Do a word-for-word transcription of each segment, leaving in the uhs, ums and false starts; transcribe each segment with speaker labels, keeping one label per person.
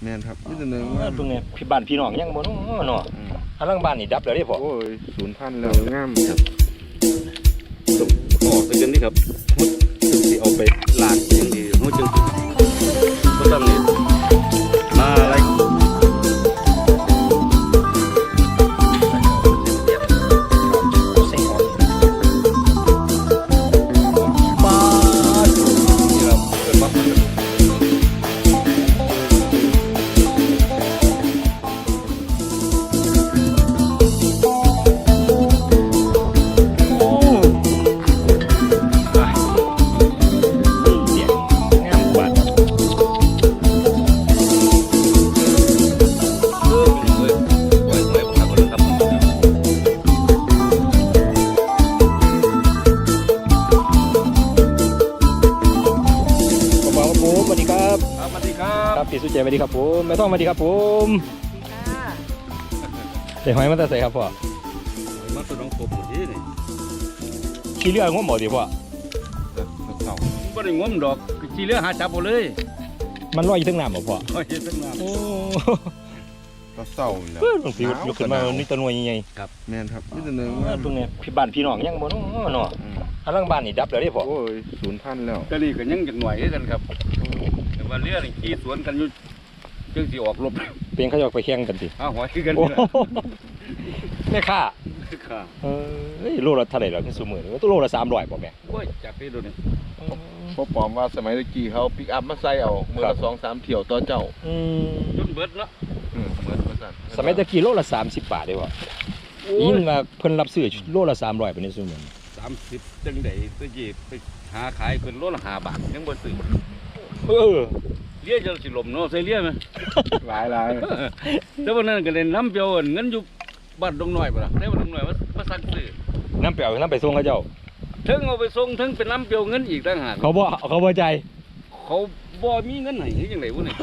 Speaker 1: แม่นครับนี่ตัวหนึ่ง
Speaker 2: ตรงนี้พี่บ้านพี่น้องยังบ่เนาะเนาะอันหลังบ้านนี่ดับแล้วเด้พ่อ
Speaker 1: โอ้ยศูนย์พันแล้วงามครับ
Speaker 3: ส่งออกไปกันนี่ครับฮุดจึงสิเอาไปล้างอย่างดีฮุดจึงสิก็ต้องนี่มาอะไร
Speaker 2: พี่สุเจสวัสดีครับผมแม่ต้องสวัสดีครับผมเดี๋ยวหอยมันจะใส่ครับพ่อ
Speaker 3: มันตัวน้องกบที่นี่
Speaker 2: ขี้เลือดงมหมดดิพ่อ
Speaker 3: เต่าไม่ได้งมดอกขี้เลือดหาจับหมดเลย
Speaker 2: มันลอยอยู่ทั้งน้ำหรอพ่อ
Speaker 3: ลอยอยู่ทั้งน้ำโอ้
Speaker 1: ก็เศร้าเลย
Speaker 2: ต้องฟิวยกขึ้นมานี่ตัวหน่วยยังไง
Speaker 1: ครับแม่นครับนี่ตัวหนึ่ง
Speaker 2: ตรงนี้พี่บ้านพี่น้องยังบ่เนาะเนาะอันหลังบ้านนี่ดับแล้วเด้พ่อ
Speaker 1: โอ้ยศูนย์พันแล้ว
Speaker 3: ก็นี่ก็ยังจากหน่วยกันครับแต่ว่าเรือนี่ขี่สวนกันอยู่จึงสิออกรบ
Speaker 2: เป็นเขาจะไปแข่งกันสิ
Speaker 3: อ้าวหอยคือกัน
Speaker 2: แม่ค่า
Speaker 3: ค่ะ
Speaker 2: เอ้ยโลละเท่าไหร่ล่ะคือสูงมือตัวโลละสามร้อยป่ะแม่
Speaker 3: โอ้ยจากที่ดูนี่
Speaker 1: พอปอมว่าสมัยตะกี้เขาปิกอัพมาใส่เอาเมื่อละสองสามเที่ยวต่อเจ้า
Speaker 3: จนเบิดเนาะ
Speaker 1: เหมือนมาสั่น
Speaker 2: สมัยตะกี้โลละสามสิบบาทได้ป่ะยิ่งว่าเพิ่นรับซื้อโลละสามร้อยเป็นในสูงมือ
Speaker 3: สามสิบจังไดตะกี้ไปหาขายเป็นโลละห้าบาทยังบ่ซื้อ
Speaker 2: เออ
Speaker 3: เลี้ยจะสิลมเนาะใส่เลี้ยไหม
Speaker 1: หลายหลาย
Speaker 3: แต่วันนั้นก็เล่นน้ำเปียวเงินอยู่บ้านดงหน่อยป่ะได้บ้านดงหน่อยมามาสั่งซื้อ
Speaker 2: น้ำเปียวน้ำไปส่งเขาเจ้า
Speaker 3: ถึงเอาไปส่งถึงเป็นน้ำเปียวเงินอีกต่างหาก
Speaker 2: เขาบ่เขาบ่ใจ
Speaker 3: เขาบ่มีเงินไหนยังไงวะเนี่ย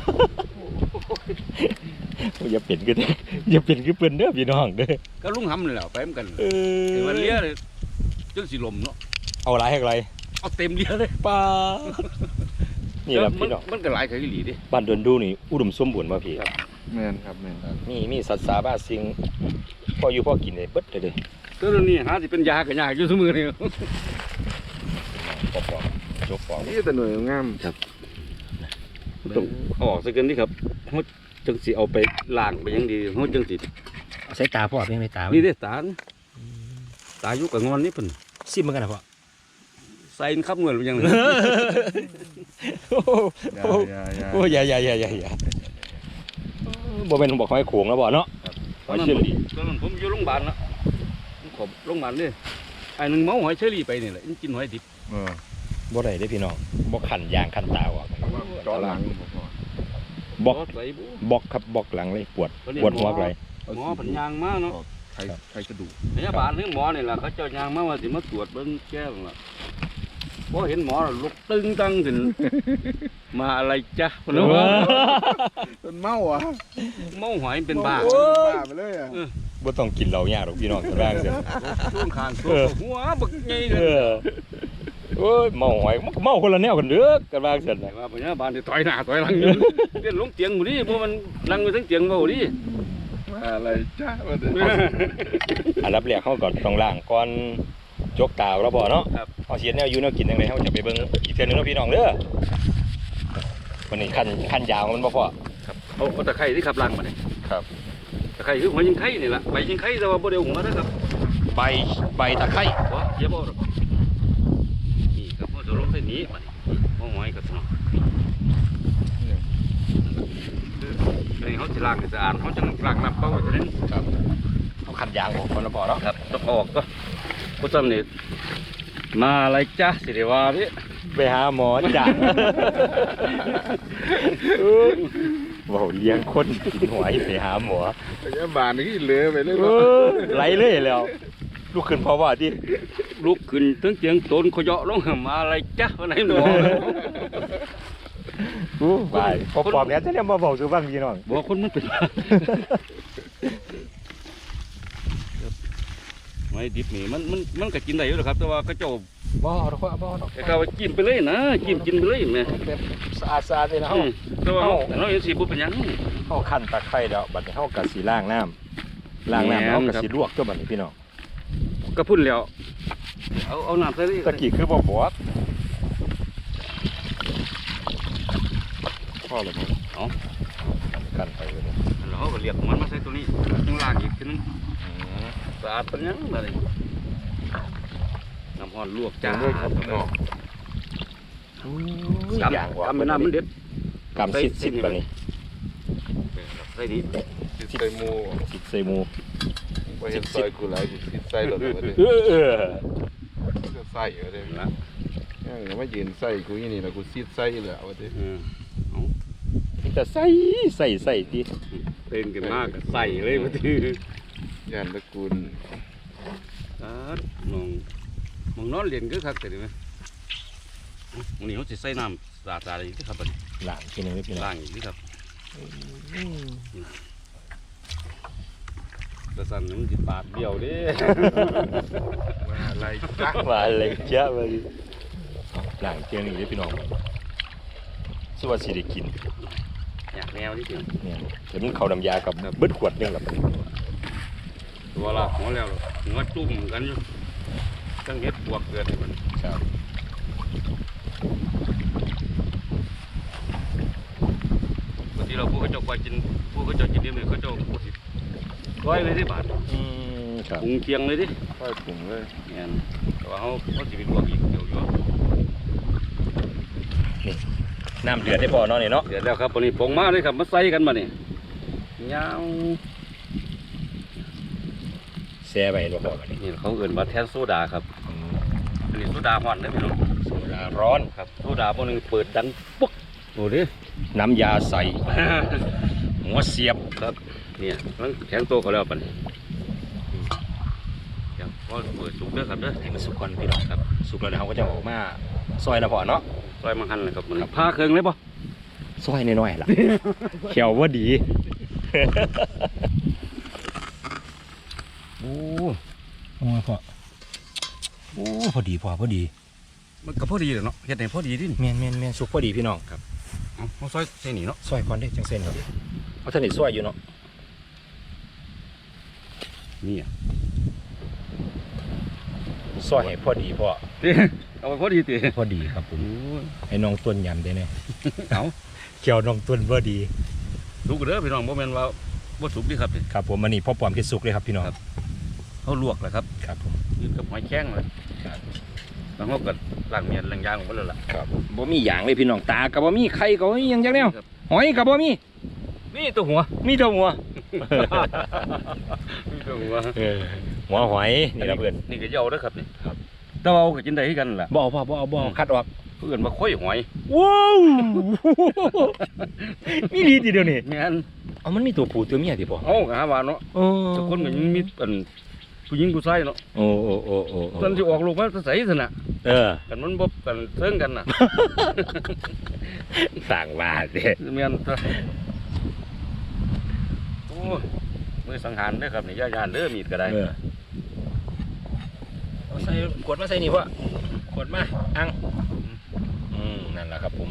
Speaker 2: อย่าเปลี่ยนกันอย่าเปลี่ยนคือเปลี่ยนเด้อพี่น้องเด้อ
Speaker 3: ก็ลุงหำเลยแหละไปเหมือนกันแต่วันเลี้ยเลยจังสิลมเนาะ
Speaker 2: เอาไรให้ไร
Speaker 3: เอาเต็มเลี้ยเลย
Speaker 2: ป้านี่แหละพี่น้อง
Speaker 3: มันก็หลายขายหลีดิ
Speaker 2: บ้านเดินดูนี่อุดมสมบูรณ์ป่ะพี่
Speaker 1: แม่นครับแม่น
Speaker 2: นี่มีสัตว์สาบ้าสิงพ่ออยู่พ่อกินเลยเบิดเลยเลย
Speaker 3: ตัวนี้หาที่เป็นยากับยาอยู่สมือนี่
Speaker 2: ปอกปอกโจกปอก
Speaker 1: นี่แต่หน่วยงาม
Speaker 3: ครับต้องออกสักกันนี่ครับเขาจังสิเอาไปล้างไปยังดีเขาจังสิ
Speaker 2: ใช้ตาพ่อเพียงในตา
Speaker 3: นี่เด้ตาตายุกับงอนนี่เพิ่น
Speaker 2: ซิมเหมือนกันนะพ่อ
Speaker 3: ใส่ขับเงินไปยังเลย
Speaker 2: โอ้ยอย่าอย่าอย่าอย่าอย่าบ่เป็นบอกหอยโขงแล้วบ่เนาะ
Speaker 3: หอยเชอรี่ตอนนั้นผมอยู่โรงพยาบาลนะขอบโรงพยาบาลนี่ไอ้หนึ่งเมาหอยเชอรี่ไปนี่แหละกินหอยดิบ
Speaker 2: บ่ได้ได้พี่น้องบ่ขันยางขันตาอ่ะ
Speaker 1: จอหลัง
Speaker 2: บอกบอกครับบอกหลังเลยปวดปวดหัวอะไร
Speaker 3: หมอผันยางมากเนาะ
Speaker 1: ใครใครกระดูก
Speaker 3: พยาบาลถึงหมอนี่แหละเขาเจ้ายางมาว่าสิมาตรวจเบิ้งแก้วล่ะพอเห็นหมอลุกตึงตั้งถึงมาอะไรจ๊ะคนนู้น
Speaker 1: เป็นเมาอ่ะ
Speaker 3: เมาหอยเป็นบ้า
Speaker 1: บ้าไปเลยอ่ะ
Speaker 2: บ่ต้องกินเหล้ายาหรอกพี่น้องกันบ้างเสีย
Speaker 3: ช่วงคางช่วงหัวบึกใหญ่เลย
Speaker 2: โอ้ยเมาหอยเมาคนละแนวกันเด้อกันบ้างเสียนะ
Speaker 3: ว่าพยาบาลที่ต่อยหน้าต่อยหลังอยู่เล่นลงเตียงหมดดิเพราะมันนั่งอยู่ทั้งเตียงเบาดิ
Speaker 1: อะไรจ้า
Speaker 2: อันรับแรกเขาก่อนต้องล้างก่อนจกตาเราบ่เนาะเอาเสียแนวอยู่แนวกินยังไงเขาจะไปเบิ่งอีกเทื่อนึงเนาะพี่น้องเด้อวันนี้ขั้นขั้นยาวมันบ่พอ
Speaker 3: ครับเอาเอาตะไคร้ที่ขับล้างมาเนี่ย
Speaker 2: ครับ
Speaker 3: ตะไคร้คือหัวยิงไข่นี่แหละใบยิงไข่แต่ว่าบ่ได้หัวนะครับ
Speaker 2: ใบใบตะไคร้
Speaker 3: วะเยอะบ่หรอกนี่ครับเขาจะลงเส้นนี้มาเนี่ยห้องหอยกับสนองคือเขาจะล้างสะอาดเขาจะล้างน้ำเปล่าจะนั้น
Speaker 2: ครับเขาขันยางออกคนละบ่เนาะ
Speaker 3: ครับต้องออกก็ผู้ชมนี่มาอะไรจ้าสิเดว่าพี่
Speaker 2: ไปหาหมอจ้ะว้าวเลี้ยงคนกินหอยไปหาหมอ
Speaker 1: พยาบาลนี่เลือไปเลย
Speaker 2: ไหลเลยแล้วลูกขึ้นเพราะว่าที่
Speaker 3: ลูกขึ้นตั้งเตียงต้นขยะลงมาอะไรจ้าวันไหนหมอ
Speaker 2: ไปพอปอบเนี้ยจะเนี่ยมาบอกซื้อบ้างพี่น้อง
Speaker 3: บอกคนมันเป็นไม่ดิบนี่มันมันมันก็กินได้อยู่หรอกครับแต่ว่าเขาเจ้า
Speaker 2: บ่เอาดอกบ่เอาดอก
Speaker 3: แต่เขาจิ้มไปเลยนะจิ้มกินไปเลยแม่
Speaker 2: แบบสะอาดสะอาดเลยนะเฮา
Speaker 3: แต่ว่าเราเห็นสีบุเป็นยัง
Speaker 2: เฮาคั่นตะไคร้แล้วบัดนี้เฮาก็สิล้างน้ำล้างน้ำแล้วเฮาก็สิลวกตัวบัดนี้พี่น้อง
Speaker 3: ก็พุ่นแล้วเอาเอาน้ำใส่เลย
Speaker 2: ตะกี้คือบ่บวกพอแล้วมั้ง
Speaker 3: เอา
Speaker 2: คั่นไปเลย
Speaker 3: เราก็เรียกมันมาใส่ตัวนี้ยังล้างอีกทีนึงสะอาดเป็นยังอะไรน้ำร้อนลวกจ้า
Speaker 2: อย่างกว่า
Speaker 3: ทำเป็นน้ำมันเด็ด
Speaker 2: กำซิดซิดแบบนี้
Speaker 3: ใส่ดี
Speaker 1: สิใส่หมู
Speaker 2: ซิดใส่หมู
Speaker 1: ไปเห็นซอยกูหลายกูสิใส่หลดเลย
Speaker 2: เออเออ
Speaker 1: ก็ใส่เอาเลย
Speaker 3: นะ
Speaker 1: ยังไม่ยืนใส่กูยี่นี่นะกูซีดใส่เลยเอาดิ
Speaker 2: แต่ใส่ใส่ใส่ที
Speaker 3: เต้นกันมากใส่เลยมาที
Speaker 1: ย่านตระกูล
Speaker 3: มองมองนอนเรียนก็คักแต่ดิไหมวันนี้เขาจะใส่น้ำสาดๆอีกที่ครับ
Speaker 2: หลังทีนึงไม่เป็นไร
Speaker 3: ล้างอีกที่ครับแต่สั่นมันจิตปาดเดียวดิ
Speaker 1: ว่าอะไรจ้ะ
Speaker 2: มาเลยเจ้ามาดิหลังเทียงนี่พี่น้องสวัสดีกิน
Speaker 3: อยากแนวนี่จริง
Speaker 2: เนี่ยเดี๋ยวมันเขาน้ำยากับเบิดขวดนึงกับ
Speaker 3: ตัวละหัวแล้วหัวจุ่มกันอยู่ตั้งเฮ็ดบวกเกิดให้มัน
Speaker 2: ครับ
Speaker 3: บางทีเราผู้เขาเจ้าไปกินผู้เขาเจ้ากินเดี๋ยวนี้เขาเจ้าพูดสิร้อยเลยที่บาท
Speaker 2: อืมครับ
Speaker 3: ปรุงเคียงเลยดิ
Speaker 1: ค่อยปรุงเลย
Speaker 3: เนี่ยแต่ว่าเขาเขาจะเป็นบวกอีกเดี๋ยวอยู่
Speaker 2: น้ำเดือดได้พอเนาะเนี่ยเนาะ
Speaker 3: เดี๋ยวแล้วครับวันนี้ผงมาเลยครับมาใส่กันมาเนี่ยยาว
Speaker 2: แช่ไปบ่พอกันนี่
Speaker 3: นี่เขาเอื่นว่าแทนโซดาครับอันนี้โซดาห่อนได้ไหมน้อง
Speaker 2: โซดาร้อน
Speaker 3: ครับโซดาพวกนึงเปิดดังปุ๊กโอ้ดิ
Speaker 2: น้ำยาใส่ หัวเสียบ
Speaker 3: ครับเนี่ยมันแข็งโตเขาแล้วปันเดี๋ยวพอเปิดสุกเด้อครับเด้อ
Speaker 2: ให้มันสุกก่อนพี่น้องครับสุกแล้วเดี๋ยวเขาก็จะออกมาซอยนะพอเนาะ
Speaker 3: ซอยมังหันเลยครับมันผ้าเครื่องเลยป่ะ
Speaker 2: ซอยน้อยๆล่ะ เขียวว่าดีโอ้โหพอโอ้พอดีพอพอดี
Speaker 3: มันก็พอดีเลยเนาะเฮ็ดให้พอดีดิ
Speaker 2: เมียนเมียนเมียนสุกพอดีพี่น้องครับ
Speaker 3: เอาเอาซอยใส่นี่เนาะ
Speaker 2: ซอยก่อนได้จังเส้นครับเพราะท่านนี่ซอยอยู่เนาะ
Speaker 3: นี่อ่ะ
Speaker 2: ซอยให้พอดีพอ
Speaker 3: เอาไปพอดีติ
Speaker 2: พอดีครับผม
Speaker 3: โอ้ย
Speaker 2: ให้น้องต้นยำได้เนี่ย
Speaker 3: เอา
Speaker 2: เกี่ยวน้องต้นพอดี
Speaker 3: สุกเด้อพี่น้องบ่แม่นว่าบ่สุกดิครับนี่
Speaker 2: ครับผมมันนี่พ่อปอมที่สุกเลยครับพี่น้อง
Speaker 3: เขาลวกแหละครับ
Speaker 2: ครับผม
Speaker 3: ยืนกับหอยแข้งเลยแล้วเขาก็ล้างเมียนล้างยางของมันเลยล่ะ
Speaker 2: ครับบ่มีอย่างเลยพี่น้องตากับบ่มีไข่กับบ่มีหยังจังแนวหอยกับบ่มี
Speaker 3: นี่ตัวหัว
Speaker 2: มีแต่หัว
Speaker 3: นี่ตัวหัว
Speaker 2: เออหัวหอยนี่ละเพื่อน
Speaker 3: นี่ก็เหยาเด้อครับนี่ครับแต่ว่าเอาก็กินได้คือกันล่ะ
Speaker 2: บ่เอาบ่เอาบ่เอาบ่เอาคัดออก
Speaker 3: เพื่อนมาค่อยหอย
Speaker 2: ว้าวมีดีทีเดียวนี่
Speaker 3: แม่น
Speaker 2: เอามันมีตัวผู้ตัวเมียติบ่
Speaker 3: เอาก็หาว่าเนาะ
Speaker 2: โอ้
Speaker 3: แต่คนก็ยังมีอันผู้หญิงผู้ชายเนาะ
Speaker 2: โอ้โอ้โอ้โอ้
Speaker 3: ตอนที่ออกลูกมาใส่ซั่นน่ะ
Speaker 2: เออ
Speaker 3: กันมันบ่กันเทิงกันน่ะ
Speaker 2: สั่งว่าเด้
Speaker 3: แม่นตัวโอ้ยมือสังหารเด้อครับนี่ย่านๆเด้อมีดก็ได้
Speaker 2: เออเอาใส่ขวดมาใส่นี่พ่อขวดมาอังอืมนั่นแหละครับผม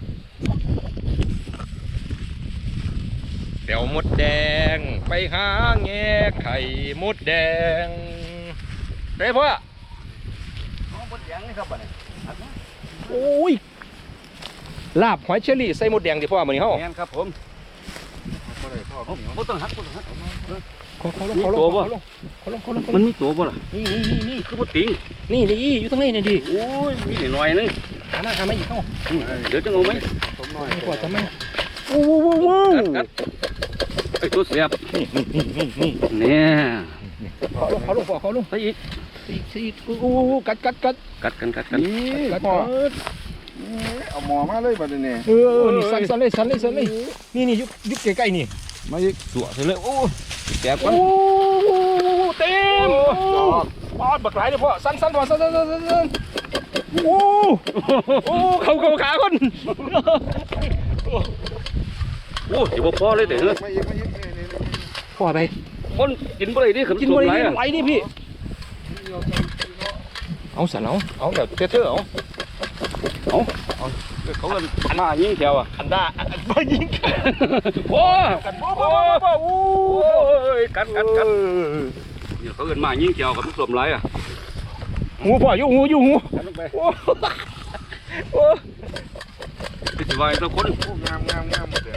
Speaker 2: เดี๋ยวมดแดงไปหาแง่ไข่มดแดงไปพ่อ
Speaker 3: เอาบ่แดงนี่ครับบัดนี้
Speaker 2: โอ้ยลาบหอยเชอรี่ใส่มดแดงที่พ่อมื้อนี้เฮา
Speaker 3: แม่นครับผมบ่ได้พ่อบ่ต้องหักบ่ต้องหัก
Speaker 2: เขาเขาลง
Speaker 3: มี
Speaker 2: เขาล
Speaker 3: ตัว
Speaker 2: ง
Speaker 3: บ่
Speaker 2: เขาลงเขาลงเขาลง
Speaker 3: มันมีตัวบ่ล่ะ
Speaker 2: นี่นี่นี่นี่
Speaker 3: คือบ่ติง
Speaker 2: นี่นี่อยู่ตรงนี้นี่ดิ
Speaker 3: โอ้ยมีนิดหน่อยนึง
Speaker 2: หามาหามาอีกเข้า
Speaker 3: เดี๋ยวจะเอาไหม
Speaker 1: ผมหน่อย
Speaker 2: กว่าจะมาโอ้โหโอ้โห
Speaker 3: กัดกัดไอ้ตัวเสียบ
Speaker 2: นี่นี่นี่นี่นี่
Speaker 3: เนี่ย
Speaker 2: เขาลงเขาลงพ่อเขาลง
Speaker 3: ไปอีก
Speaker 2: อีกอีกโอ้โหกัดกัดกัด
Speaker 3: กัดกันกัดกัน
Speaker 1: นี่
Speaker 2: กัด
Speaker 1: พ่อ
Speaker 2: กัด
Speaker 1: เอาหมอมาเลยบัดนี้
Speaker 2: เออนี่สั่นสั่นเลยสั่นเลยสั่นเลยนี่นี่ยุบยุบใกล้ๆนี่
Speaker 1: มาอีก
Speaker 3: ตัวเสร็จเลยโอ้แสบกั
Speaker 2: โอ้
Speaker 3: น
Speaker 2: เต็มปอดบักหลายเลยพ่อสั่นสั่นพ่อสั่นสั่นสั่นสั่นโอ้โอ้เขาเขาขาคน
Speaker 3: โอ้ยบ่พอเลยเด้อ
Speaker 1: มาอีกมาอีกนี่นี่
Speaker 2: พ่อไป
Speaker 3: คนกินบ่ได้ดิขนม
Speaker 2: กิน
Speaker 3: ส
Speaker 2: บ่
Speaker 3: ม
Speaker 2: ได้
Speaker 3: หลายอ่ะ
Speaker 2: ไหลนี่พี่เอาสันเอาเอาแบบเท่ๆเอา
Speaker 3: เขาก็มายิงแถวอ่ะ
Speaker 2: อันด้าอันบ่ยิงกัน
Speaker 3: โอ้
Speaker 2: กันบ่บ่บ่บ่โอ้ยกันกันกัน
Speaker 3: นี่เขาเอินมายิงแถวกับทุกสมไรอ่ะ
Speaker 2: หูพ่ออยู่หูอยู่หู
Speaker 3: กันลงไป
Speaker 2: โอ้โอ้
Speaker 3: ไปสิวายทุกคน
Speaker 1: งามงามงามหมดเลย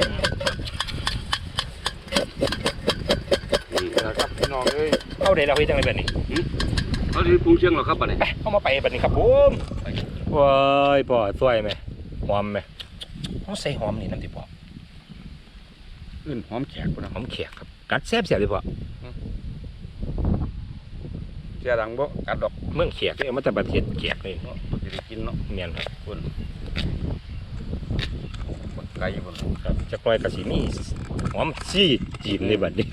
Speaker 1: นี่นะครับพี่น้องเอ้ย
Speaker 2: เอาได้แล้วเฮ็ดจังได๋บัดนี้
Speaker 3: เขาที่ปรุงเชียงหรอครับป่ะนี่
Speaker 2: ไปเอามาไปบัดนี้ครับผมว้ายพ่อสวยไหมหอมไหมเขาใส่หอมนี่น้ำติพ่อ
Speaker 3: เอิ้นหอมแขกพุ่นนะ
Speaker 2: หอมแขกครับกัดแซ่บแซ่บเลยพ่อ
Speaker 3: เสียดังบ่กัดดอก
Speaker 2: เมืองแขกเนี่ยมันจะประเทศแขกเลย
Speaker 3: เนาะสิได้กินเนาะ
Speaker 2: เมียนครับ
Speaker 3: พุ่นบักไก่พุ่น
Speaker 2: ครับจะปล่อยกระสีมีหอมซี่จีนเลยบัดนี้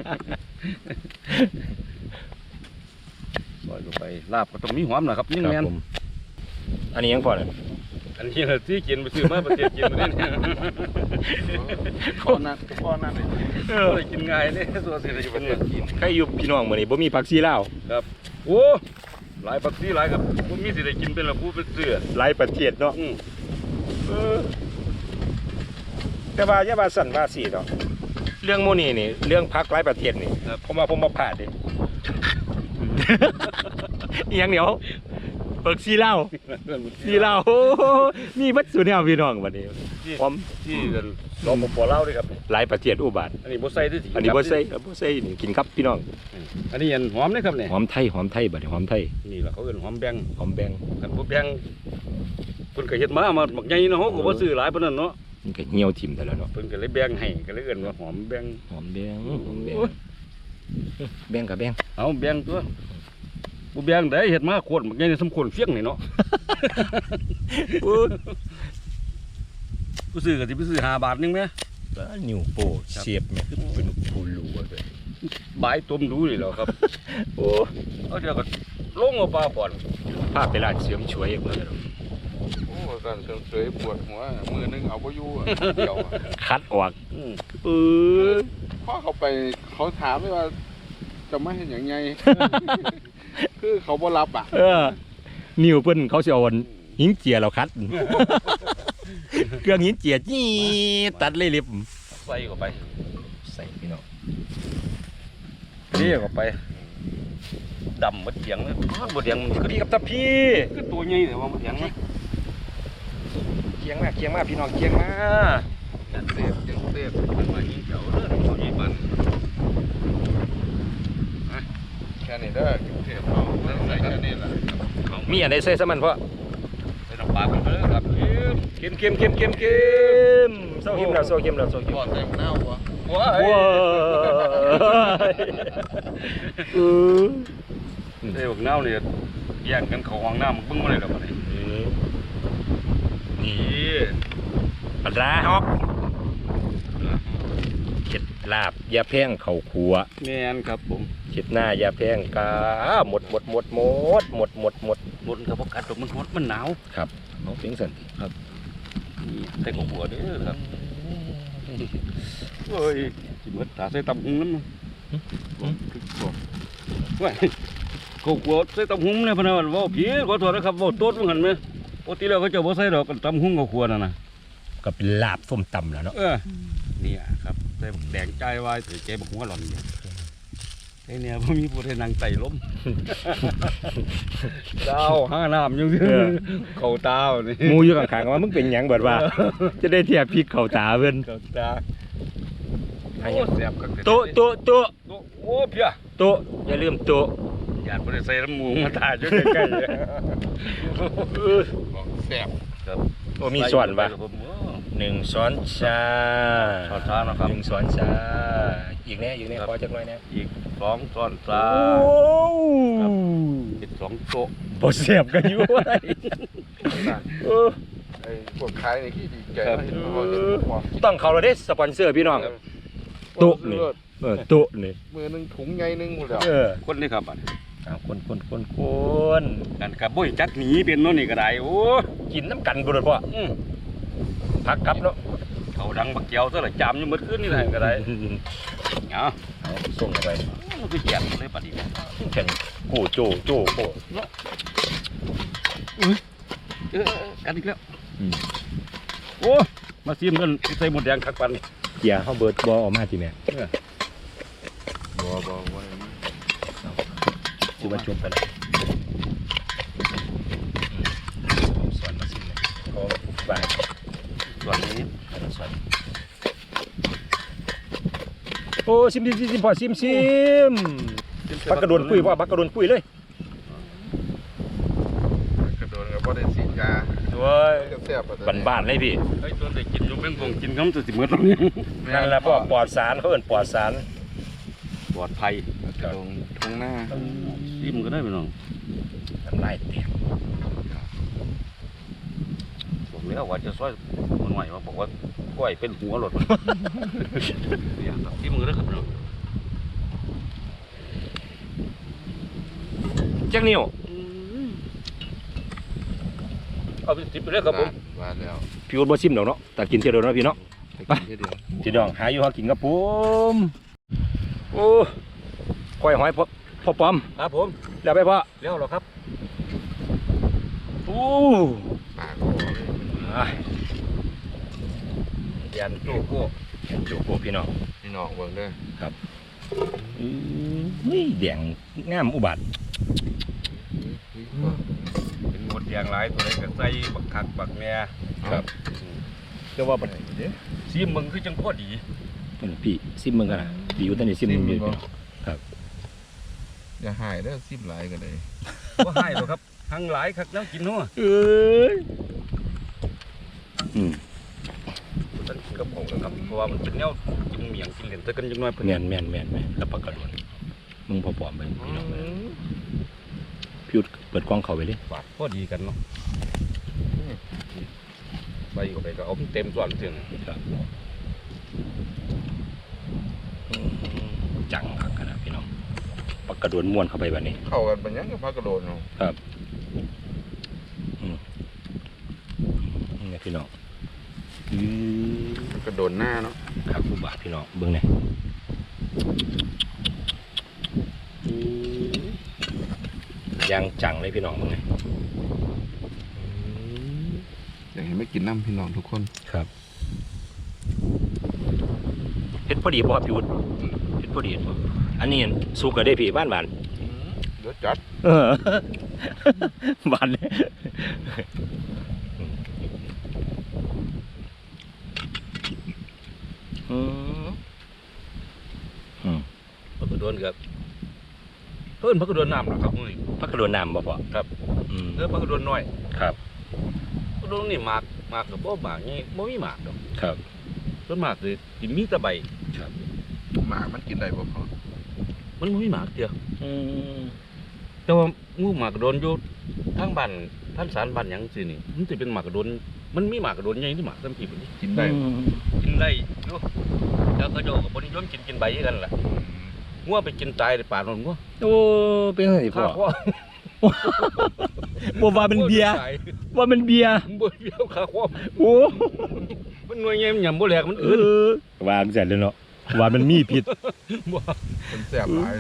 Speaker 3: ซอยลงไปลาบก็ต้องมีหอมนะครับยิ่ง
Speaker 2: ครับ
Speaker 3: แม่น
Speaker 2: ผมอันนี้ยังพอเนี่ย
Speaker 3: อันนี้น่ะที่กินไปซื้อมาประเทศกินมาเนี่ย
Speaker 1: พ่อนั่นพ่อนั่นเลย
Speaker 3: เออกินง่ายเนี่ยตัวสิได้อยู่ประเทศกิน
Speaker 2: ใครอยู่พี่น้องมื้อนี้บ่มีผักซีลาว
Speaker 3: ครับโอ้หลายปักซี่หลายครับผมมีสิได้กินเป็นละผู้เป็นเสือ
Speaker 2: หลายประเทศเนาะ
Speaker 3: อืม
Speaker 2: เออแต่ว่าอย่าว่าสั่นว่าสีเนาะเรื่องโมนี่นี่เรื่องพักหลายประเทศนี่ผมว่าผมบ่พลาดเด้ อีหยังเดี๋ยวเปิกซีเหล้าซีเหล้าโอ้โหมีวัตถุแนวพี่น้องบัดนี้พร้อม
Speaker 3: ที่รอปภเล่าด้วยครับ
Speaker 2: หลายประเทศอุบาท
Speaker 3: อันนี้บ่ใส่ด้วยสิ
Speaker 2: อันนี้บ่ใส่บ่ใส่นี่กินครับพี่น้อง
Speaker 3: อันนี้อันหอมนะครับเนี่ย
Speaker 2: หอมไทยหอมไทยบัดนี้หอมไทย
Speaker 3: นี่แหละเขาเอิ้นหอมแบง
Speaker 2: หอมแบง
Speaker 3: คันบ่แบงเพิ่นก็เฮ็ดมามาบักใหญ่เนาะเฮาก็บ่ซื้อหลายปานนั้นเนาะ
Speaker 2: นี่ก็เหี่ยวถิ่มแต่แล้วเนาะ
Speaker 3: เพิ่นก็เลยแบงให้ก็เลยเอิ้นว่าหอมแบง
Speaker 2: หอมแบงหอมแบงแบงกับแบง
Speaker 3: เอาแบงตัวบ่แบงได้เฮ็ดมาโคตรบักใหญ่นี่สมควรเฟียงนี่เนาะ
Speaker 2: อู้
Speaker 3: ผู้ซื้อก็สิไปซื้อห้าบาทนึงแหม
Speaker 2: นิ้วโป้เสียบแม่คือเป็นผู้รู้ว่าเลย
Speaker 3: บายต้มดูนี่แหล้วครับ
Speaker 2: โอ้
Speaker 3: เอาเดี๋ยวก็ลงเอาปลาก่อน
Speaker 2: ภาพไปร้านเสริมช่วยเพิ่นเนาะ
Speaker 1: โอ้การเสริมสวยปวดหัวมือนึงเอาบ่อยู่อะเดี่ยวอะ
Speaker 2: คัดออก
Speaker 3: อืม
Speaker 2: เออ
Speaker 1: พ่อเขาไปเขาถามเลยว่าจะไม่เห็นอย่างไง คือเขาบ่รับอ่ะ
Speaker 2: เออนิ้วเพิ่นเขาสิเอาอันหินเจียเราคัด เครื่องหินเจียจี้ตัดเลยเล็บ
Speaker 3: ใส่เข้าไป
Speaker 2: ใส่พี่น้อง
Speaker 3: เลี้ยเข้าไปดำบ่เถียงเลยบ่เถียงมัน
Speaker 2: สวัสดีครับตาพี่
Speaker 3: คือตัวใหญ่แต่ว่าบ่เถียงนะ
Speaker 2: เคียงมาเคียงมาพี่น้องเคียงมา
Speaker 3: ยังเสพยังเสพมันมายิงเจ้าเด้อเขายิงมัน
Speaker 1: แค่นี้เด้อเทปเขาใส่แค่นี้แหละ
Speaker 2: มีอันใดใส่ซะมันเพราะ
Speaker 3: ใส่น้ำปลากันไปเลยครับ
Speaker 2: เค็มเค็มเค็มเค็มเค็มเศร้าเค็มแล้วเศร้าเค็มแล้วเศร้าเค็ม
Speaker 1: บอดเต็มหน้าวะ
Speaker 3: ว้า
Speaker 2: ว้าย เออ
Speaker 3: เอ้ยพวกเน่าเนี่ยแย่งกันเข้าห้องน้ำมึงเบิ่งมาเลยดอกบัดนี้
Speaker 2: นี่ปลาร้าฮอกเข็ดลาบยาแพงเข่าขัว
Speaker 3: แม่นครับผม
Speaker 2: เข็ดหน้ายาแพงกาหมดหมดหมดหมดหมดหมดหมด
Speaker 3: บนกับพวกกัดดอกมันฮอดมันหนาว
Speaker 2: ครับน้องเพียงสันติ
Speaker 3: นี่ใส่ของหัวเด้อครับเฮ้ยสิหมดตาใส่ตำหุงน้ำว้ายเขากลัวใส่ตำหุงเนี่ยพะนันว่าผีขอโทษนะครับว่าโต๊ดมันหันไหมปกติแล้วเขาจะบ่ใส่ดอกกันตำหุงเขาควรน่ะนะ
Speaker 2: ก็เป็นลาบส้มตำแล้วเนาะ
Speaker 3: เออเนี่ยครับใส่บักแดงใจไว้ใส่เจ๊บักหัวหล่อนเนี่ยไอ้เนี่ยพ่มีผู้ใดนั่งไต่ล้ม ดาวห้าน้ำยังเขาตานี่
Speaker 2: หมูอยู่ข้างๆว่ามึงเป็นหยังเบิดว่า จะได้เทียบพริกเข้าตาเพิ่น
Speaker 3: เขาตาโอ้แซ่บกั
Speaker 2: โต๊ะโต๊ะโต๊ะ
Speaker 3: โอ้เพี้ย
Speaker 2: โต๊ะอย่าลืมโต๊ะ
Speaker 3: ญาติบ่ได้ใส่น้ำหมูมาถ่ายอยู่ใกล้ๆเลย
Speaker 1: บอกแสบ
Speaker 3: ครับ
Speaker 2: โอ้มีส่วนปะ
Speaker 3: ผมโอ้
Speaker 2: หนึ่งช้อนชา
Speaker 3: ช้อนชานะครับ
Speaker 2: หนึ่งช้อนชาอีกแน่อีกแน่ขอจักหน่อยแน่
Speaker 3: อีกสองช้อนชา
Speaker 2: โอ้
Speaker 3: เป็นสองโต๊ะ
Speaker 2: บ่เสียบกันอยู่ไว้เออ
Speaker 1: ไอ้พวกขายในที่ดีใจเขาเห็นเขาเห็นความ
Speaker 2: ต้องเขาแล้วเด้สปอนเซอร์พี่น้องโต๊ะนี่เออโต๊ะนี่
Speaker 1: มือหนึงถุงใหญ่หนึงหมดแล้ว
Speaker 2: เออ
Speaker 3: คนนี่ครับบัดนี้
Speaker 2: เอาคนคนคนคน
Speaker 3: กันกับบ่ยจักหนีเป็นโน่นนี่ก็ได้โอ้
Speaker 2: กินน้ำกันบ่ได้พ่อ
Speaker 3: อืม
Speaker 2: พักกลับเนาะ
Speaker 3: เขาดังบักเกียวซะละจามอยู่หมดคืนนี่แหละก็ได้เอา
Speaker 2: เอาส่งเข้าไป
Speaker 3: มันคือแย่เลยบัดนี้
Speaker 2: แข่งโอ้โจโจโอ้
Speaker 3: เนาะเออกันอีกแล้วโอ้มาซิมกันใส่หมดแดงคักปัน
Speaker 2: เกียร์เขาเบิร์ดบอออกมาทีแม่
Speaker 1: บ่บ่บ่
Speaker 2: คือว่าจบไปแล้วส่วนมาซิมเลยพอปุ๊บไป
Speaker 3: ส่วนนี้
Speaker 2: ส่วนโอ้ซิมซิมซิมพอซิมซิมปักกระโดนคุยพ่อปักกระโดนคุยเลย
Speaker 1: กระโดดก็บ่ได้ฉีดยา
Speaker 2: ด้วย
Speaker 1: ก็แซ่บ
Speaker 2: บ้านบ้านๆเลยพี่
Speaker 3: ไอ้ตัวเด็กกินอยู่แม่งคงกินคำตัวสิเมื่อตรงนี้
Speaker 2: นั่นแหละพ่อปลอดสารเขาเอิ้นปลอดสาร
Speaker 3: ปลอดภัย
Speaker 1: กระโดดทุ่งหน้า
Speaker 3: ซิมก็ได้พี่น้อง
Speaker 2: น้ำลายแตก
Speaker 3: บอกแล้วว่าจะซอยมันหน่อยว่าบอกว่าก้อยเป็นหัวหลดเนี่ยครับซิมก็ได้ครับพี่น้อง
Speaker 2: แจ็คนิว
Speaker 3: เอาไปซิมไปเลยครับผม
Speaker 1: ว่าแล้ว
Speaker 2: พี่อุดบ่ซิมดอกเนาะแต่กินเที่ยวเดียวเนาะพี่เนาะ
Speaker 1: ไปกินเดียว
Speaker 2: พี่น้องหาอยู่หากินกับผมโอ้ก้อยหอยพ่อพ่อปอม
Speaker 3: ครับผม
Speaker 2: แล้วไปพ่อ
Speaker 3: เลี้ยวหรอครับ
Speaker 2: โอ้
Speaker 1: ปากก็เลย
Speaker 2: อ่ะ
Speaker 3: ยันโจ้โก้
Speaker 2: จูบพี่น้อง
Speaker 1: พี่น้องเบิ่งเด้อ
Speaker 2: อืมเฮ้ยแดงงามอุบัติ
Speaker 3: เป็นหมดยางหลายตัวไหนก็ใส่บักคักบักแม่
Speaker 2: ครับก็ว่าบัดนี้เด้
Speaker 3: ซิมมึงคือจังพอดี
Speaker 2: อพี่ซิมมึงกันนะพี่อยู่ตอนนี้ซิมมึงอยู่
Speaker 1: อย่าหายเด้อซิมหลายก็ได้
Speaker 3: ว่าให้หรอกครับทั้งหลายคักแล้วกินเนาะ
Speaker 2: เอ้ยอืม
Speaker 3: ท่านกินกับผมนะครับเพราะว่ามันเป็นแนวกินเมียงกินเหรียญแต่กันยังน้อยเพิ่น
Speaker 2: แม่นแม่นแม่นแม่นแล้วปากกระโดนมึงพอปลอมไปพี่น้องเลยพี่อุดเปิดกล้องเขาไปเลย
Speaker 3: ฝาดพอดีกันเนาะใส่เข้าไปก็เอาเต็มส่วนถึง
Speaker 2: ครับอืมจังคักขนาดพี่น้องปากกระโดนม้วนเข้าไปแบบนี้
Speaker 1: เข้ากันเป็นหยังกับพักกระโดดเนาะ
Speaker 2: ครับอืมนี่พี่น้องอืม
Speaker 1: กระโดดหน้าเนาะ
Speaker 2: ครับผู้บาทพี่น้องเบิ้งเนี่ยยางจังเลยพี่น้องเบิ้งเนี่ย
Speaker 1: อยากให้ไม่กินน้ำพี่น้องทุกคน
Speaker 2: ครับเฮ็ดพอดีป่ะครับพี่วุฒิเฮ็ดพอดีป่ะอันนี้สุกก็ได้พี่บ้านบ้าน
Speaker 1: เดี๋ยวจัด
Speaker 2: เออ บ้านเลยอืมอืม
Speaker 3: พักกระโดนครับเพิ่นพักกระโดนน้ำนะครับมื้อนี้
Speaker 2: พักกระโดนน้ำบ่พ่อ
Speaker 3: ครับ
Speaker 2: อืม
Speaker 3: เออพักกระโดนน้อย
Speaker 2: ครับ
Speaker 3: พักกระโดนนี่หมากหมากกับบ่หมากนี่บ่มีหมากดอก
Speaker 2: ครับ
Speaker 3: ส่วนมากสิกินมีแต่ใบ
Speaker 2: ครับ
Speaker 1: หมากมันกินได้บ่พอ
Speaker 3: มันบ่มีหมากเดียว
Speaker 2: อืม
Speaker 3: แต่ว่างูหมากกระโดนอยู่ทางบ้านท่านสารบ้านหยังสินี่มันสิเป็นหมากกระโดนมันมีหมากกระโดนใหญ่ที่หมากซ้ํพี่พุ่นนี่
Speaker 1: กินได้
Speaker 2: อืม
Speaker 3: กินได้อยู่แล้วก็โจกับบนิยมกินกินใบคือกันล่ะงัวไปกินตายในป่าโนนงัว
Speaker 2: โอ้เป็นไงพ่อ
Speaker 3: ข้า
Speaker 2: บ่ว่าเป็นเบียร์ว่าเป็นเบียร์
Speaker 3: บ่เบี้ยวข้าควอม
Speaker 2: โอ้
Speaker 3: มันหน่วยใหญ่มันหยำบ่แหลกมัน
Speaker 2: เอ
Speaker 3: อื่น
Speaker 2: อวางเสร็จแล้วเนาะว่ามันมีพิษ
Speaker 3: บ่
Speaker 1: มันแซ่บหลาย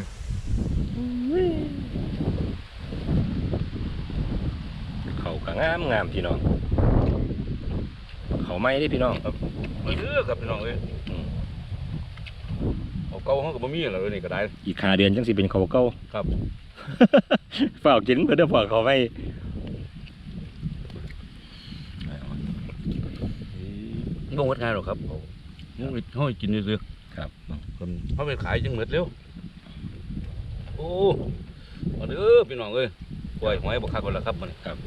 Speaker 2: เขาก็งามงามพี่น้องเขาไม่ได้พี่น้อง
Speaker 3: ไปเด้อครับพี่น้องเอ้ย
Speaker 2: อืม
Speaker 3: เอาเก่าเฮาก็บ่มีแล้วเดี๋ยวนี่ก็ได้
Speaker 2: อีกห้าเดือนจังสิเป็นเขาเก่า
Speaker 3: ครับ
Speaker 2: ฝากกินเพื่อเด้อฝากเขาไว้
Speaker 3: บ่หมดง่ายหรอกครับเอางูเฮาให้กินซื่อ
Speaker 2: ครับ
Speaker 3: ๆคนเฮาไปขายจังหมดเร็วโอ้เอาเด้อพี่น้องเอ้ยกล้วยหอยบ่คักแล้วล่ะครับมื้อนี้
Speaker 2: ครับ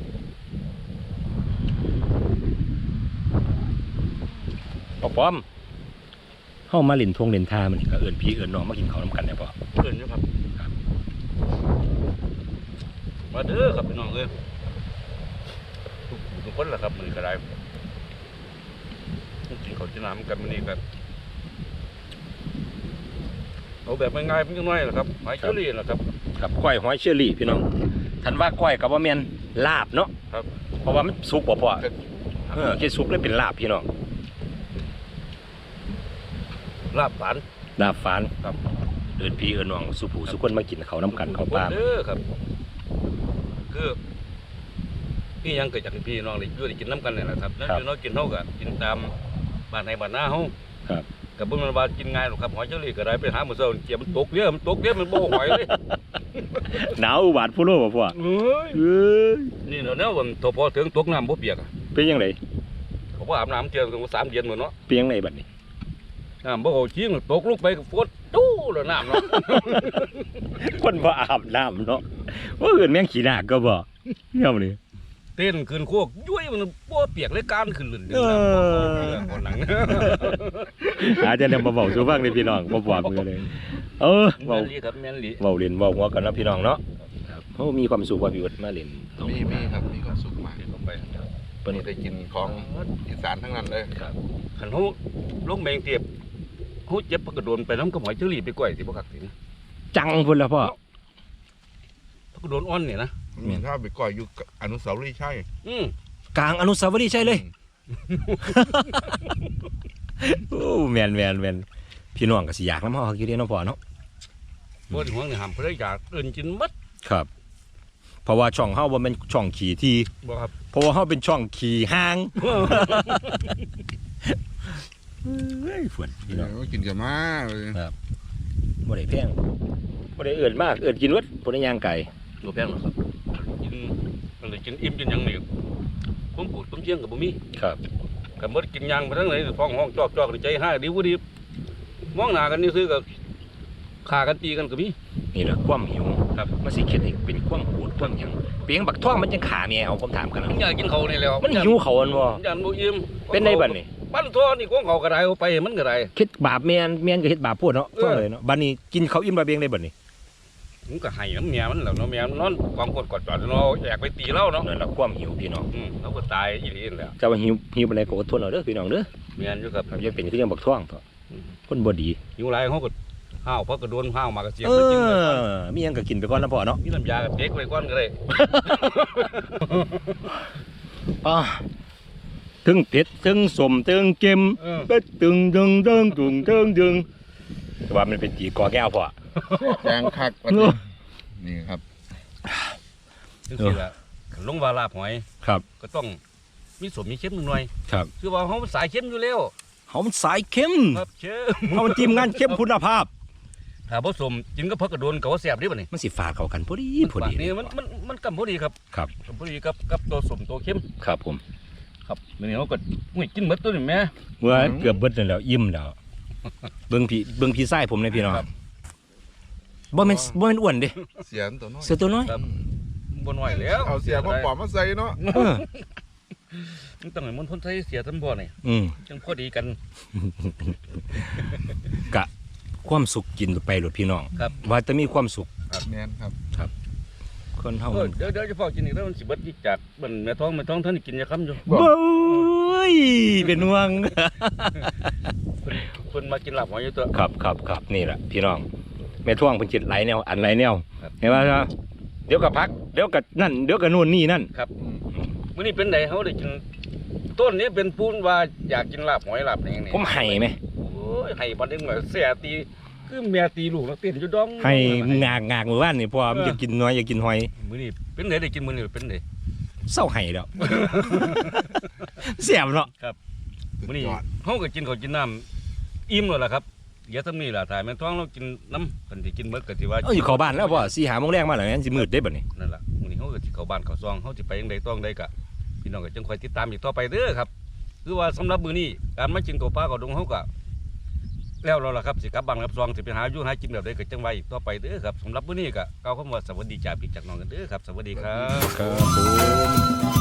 Speaker 2: ปอปอมเข้ามาเล่นทงเล่นทามันนี่ก็เอิ้นพี่เอิ้นน้องมากินข้าวน้ำกันได้ป่ะ
Speaker 3: เพิ่นอยู่ครับ
Speaker 2: ครับ
Speaker 3: มาเด้อครับพี่น้องเอ้ยทุกผู้ทุกคนล่ะครับมื้อนี้ก็ได้กินข้าวจีน้ำกันมื้อนี้ครับเอาแบบง่ายๆเพียงน้อยล่ะครับหอยเชอรี่ล่ะครับ
Speaker 2: ครับก้อยหอยเชอรี่พี่น้องทันว่าก้อยกับว่าแม่นลาบเนาะ
Speaker 3: ครับ
Speaker 2: เพราะว่ามันสุกบ่พอเออแค่สุกเลยเป็นลาบพี่น้อง
Speaker 3: ลาบฝาน
Speaker 2: ลาบฝาน
Speaker 3: ครับ
Speaker 2: เอิ้นพี่เอิ้นน้องสุผู้สุคนมากินข้าวน้ำกันข้าวปลา
Speaker 3: เด้อครับคือนี่ยังเกิดจากพี่น้องได้อยู่ได้กินน้ำกันนี่แหละครับแล้วพี่น้องกินเท่ากับกินตามบ้านในบ้านหน้าเฮา
Speaker 2: ครับ
Speaker 3: กับบุญมันว่ากินง่ายหรอกครับหอยเชอรี่ก็ได้ไปหาหมูเซาเกี่ยมันตกเยอะมันตกเยอะมันโบ้หอยเลย
Speaker 2: หนาวอุบาทผู้โลบ่พ่อ
Speaker 3: เอ้ย
Speaker 2: เอ้ย
Speaker 3: นี่เนาะเนี่ยวันทพอถึงตกน้ำบ่เปียกอะ
Speaker 2: เป็นยังไง
Speaker 3: เขาบ่อาบน้ำเที่ยวกันสามเดือนหมดเนาะ
Speaker 2: เป็นยังไงบัดนี้
Speaker 3: น้ำบ่เอาจริงตกลงไปก็ฝนตู้แล้วน้ำเนาะ
Speaker 2: คนบ่อาบน้ำเนาะว่าอื่นแม่งขี้หน้าก็บ่เนี่ยมันนี่
Speaker 3: เต้นขึ้นโคกย้วยมันบ่เปียกเลยการขึ้นลื่นดึง
Speaker 2: เออ
Speaker 3: น้ำบ่คนหลัง
Speaker 2: อาจจะนำมาเว้าสู่ฟังในพี่น้องบ่บอกมือเลย เออ
Speaker 3: แม่
Speaker 2: เว้าน
Speaker 3: ลีครับแม่นลี
Speaker 2: เว้าเล่นเว้าหัวกันเนาะพี่น้องเนาะครับเฮามีความสุขว่าพี่วุฒิมาเล่นตรง
Speaker 1: มี
Speaker 2: นี้
Speaker 1: มีครับมีความสุขมาก
Speaker 3: ลงไป
Speaker 1: เพิ่นได้กินของอีสานทั้งนั้นเลย
Speaker 3: ครับคันเฮาลงแมงเตียบเฮาเจ็บปกระโดนไปน้ำกับหอยเชอรี่ไปก่อยสิบ่คักสิ
Speaker 2: จังพุ่นละพ่อ
Speaker 3: ปกระโดนอ่อนนี่นะ
Speaker 1: มีถ้าไปก่อยอยู่กับอนุสาวรีย์ใช่
Speaker 3: อืม
Speaker 2: กลางอนุสาวรีย์ใช่เลย โอ้แม่นแม่นแม่นพี่น้องก็สิอยากนำเฮาอยู่เด้เนาะพ่อเนาะ
Speaker 3: บ่ห่วงนี่ห้ามเพิ่นอยากเอิ้นกินหมด
Speaker 2: ครับ เพราะว่าช่องเฮาบ่แม่นช่องขี่ที่
Speaker 3: บ่ครับ
Speaker 2: เพราะว่าเฮาเป็นช่องขี่ห้างเฮ้ยฝนพี่น้อง
Speaker 1: กินกับมาเลย
Speaker 2: บ่ได้แพงบ่ได้เอิ้นมากเอิ้นกินเบิดบ่ได้ย่างไก่
Speaker 3: บ่แพงหรอกครับกินมันได้กินอิ่มกินหยังนี่ผมปลูกต้มเชียงก็บ่มี
Speaker 2: ครับ
Speaker 3: ก็หมดกินหยังไปทั้งไหนฟ้องห้องจอกๆนี่ใจหายดีบ่ดีมองหน้ากันนี่ซื้อก็ฆ่ากันตีกันก็มี
Speaker 2: นี่แหละความหิว
Speaker 3: ครับ
Speaker 2: มันสิเฮ็ดให้เป็นความโหดความหยังเปียงบักท่องมันจังขาแม่เอาผมถามกันนะ
Speaker 3: มันอยากกินเขาวนี่แหล้ว
Speaker 2: มันหิวเขาอันบ่
Speaker 3: อยากบ่อิ่ม
Speaker 2: เป็นได้บัดนี้
Speaker 3: ปั้นตัวนี่ของเขาก็ได้เอาไปมันก็ได้
Speaker 2: คิดบาปแม่นแม่นก็เฮ็ดบาปโพดเนาะ
Speaker 3: เออ
Speaker 2: ฟังเลยเนาะบัดนี้กินเขาวอิ่มบาเบียงได้บัดนี้
Speaker 3: มันก็ให้น้ำเมียมันแล้วเนาะเมียมันนอนกองกดกอดจอดเนาะอยากไปตีเล่าเนาะ
Speaker 2: นั่นแหละความหิวพี่น้อง
Speaker 3: อืมเราก็ตายอีหลีนั่นแหล้ว
Speaker 2: เจ้าว่าหิวหิวปานใดก็อดทนเอาเด้อพี่น้องเด้อ
Speaker 3: เมียนอยู่ครับ
Speaker 2: ครับอย่าเป็นคือจังบักท่องเถอะคนบ่ดี
Speaker 3: อยู่ไรเขาก็ห้าวเพราะกระโดนห้าวมากระเสียบ
Speaker 2: เอ
Speaker 3: ไปกินเลยก่อน
Speaker 2: อมีหยังก็กินไปก่อนนะพ่อเนาะ
Speaker 3: มีน้ำยากับเด็กไว้ก่อนก็ได้
Speaker 2: อ่าถึงเผ็ดถึงสมถึงเค็ม
Speaker 3: เออ
Speaker 2: เบ็ดตึงตึงตึงตึงตึงตึงแต่ว่ามันเป็นจีกอแก้วพ่อ
Speaker 1: แจงคักวันนี้นี่ครับ
Speaker 3: จังซี่ล่ะลงว่าลาบหอย
Speaker 2: ครับ
Speaker 3: ก็ต้องมีสมมีเค็มหน่อย
Speaker 2: ครับ
Speaker 3: คือว่าเขาสายเค็มอยู่แล้ว
Speaker 2: เฮามันสายเค็ม
Speaker 3: ครับเชื่อ
Speaker 2: เฮามันทีมงานเข้มคุณภาพ
Speaker 3: ถ้าผสมกินก็พักกระโดนกับว่าแสบดิบ่นี่
Speaker 2: มันสิฝาดเข้ากันพอดีพอดี
Speaker 3: นี่มันมันมันกำพอดีครับ
Speaker 2: ครับ
Speaker 3: กำพอดีกับกับตัวสมตัวเค็ม
Speaker 2: ครับผม
Speaker 3: ครับมื้อนี้เขาก็อุ้ยกินหมดตัวนี่แม่
Speaker 2: เมื่อเกือบเบิดนั่นแล้วอิ่มแล้วเบิ่งพี่เบิ่งพี่ไส้ผมเลยพี่น้อง
Speaker 3: ครับ
Speaker 2: บ่แม่นบ่แม่นอ้วนเด้
Speaker 1: เสียนตัวน้อย
Speaker 2: เสือตัวน้อย
Speaker 3: ครับบ่น้อยแล้ว
Speaker 1: เอาเสียมาปอมมาใส่เนาะ
Speaker 2: เออ
Speaker 3: มันต้องให้มันพ้นใช้เสียทั้งบ่นี่
Speaker 2: อืม
Speaker 3: จังพอดีกัน
Speaker 2: กะความสุขกินไปหลดพี่น้อง
Speaker 3: ครับ
Speaker 2: ว่าจะมีความสุข
Speaker 1: แมนครับ
Speaker 2: คนเฮา
Speaker 3: เอ
Speaker 2: มั
Speaker 3: อน เดี๋ยวเดี๋ยวจะพอกินอีกแล้วมันสิเบิดอีกจากมันแม่ท้องแม่ท้องท่านกินยาค้ำอยู่
Speaker 2: เบ้ยเป็นห่วง
Speaker 3: เพิ่นเพิ่นมากินลาบหอยอยู่ตัว
Speaker 2: ครับครับครับนี่แหละพี่น้องแม่ท่วงเพิ่นจิตไหลแนวอันไหลแนว
Speaker 3: ครับ
Speaker 2: เห็นว่าเดี๋ยวก็พักเดี๋ยวก็นั่นเดี๋ยวก็นู่นนี่นั่น
Speaker 3: ครับมื้อนี้เป็นไดเฮาได้กินต้นนี้เป็นปูนว่าอยากกินลาบหอยลาบอะไรอย่างนี้
Speaker 2: ผมให้ไหม
Speaker 3: โอ้ยให้บ่ได้เหมือนเสียตีคือแม่ตีลูกนักเต้นอยู่ดอง
Speaker 2: ให้งากงากเมื่อวานนี่เพราะว่ามันจะกินน้อยอยากกินหอย
Speaker 3: มื้อนี้เป็นไดได้กินมื้อนี้เป็นได
Speaker 2: เศร้าให้แล้ว เสียบเนาะ
Speaker 3: มื้อนี้เฮาก็กินข้าวกินน้ำอิ่มแล้วล่ะครับเดี๋ยวทำนี่ล่ะถ่ายแม่ท้องเรากินน้ำกันสิกินเบิดก็สิว่า
Speaker 2: เอ้ยอยู่เข้าบ้านแล้วพ่อสี่หาโมงแรกมาแล้วงั้นสิมืดได้บัดนี้
Speaker 3: นั่นล่ะมื้อนี้เฮาก็สิเข้าบ้านเข้าซองเฮาสิไปจังไดต้องใดก็พี่น้องก็จังคอยติดตามอีกต่อไปเด้อครับคือว่าสำหรับมื้อนี้การมากินข้าวปลาข้าวดงเฮาก็แล้วเราล่ะครับสิกลับบ้านกลับซองสิไปหาอยู่หากินแบบใดก็จังไว้อีกต่อไปเด้อครับสำหรับมื้อนี้ก็กล่าวคำว่าสวัสดีจากพี่จากน้องกันเด้อครับสวัสดีครับ
Speaker 2: ครับผม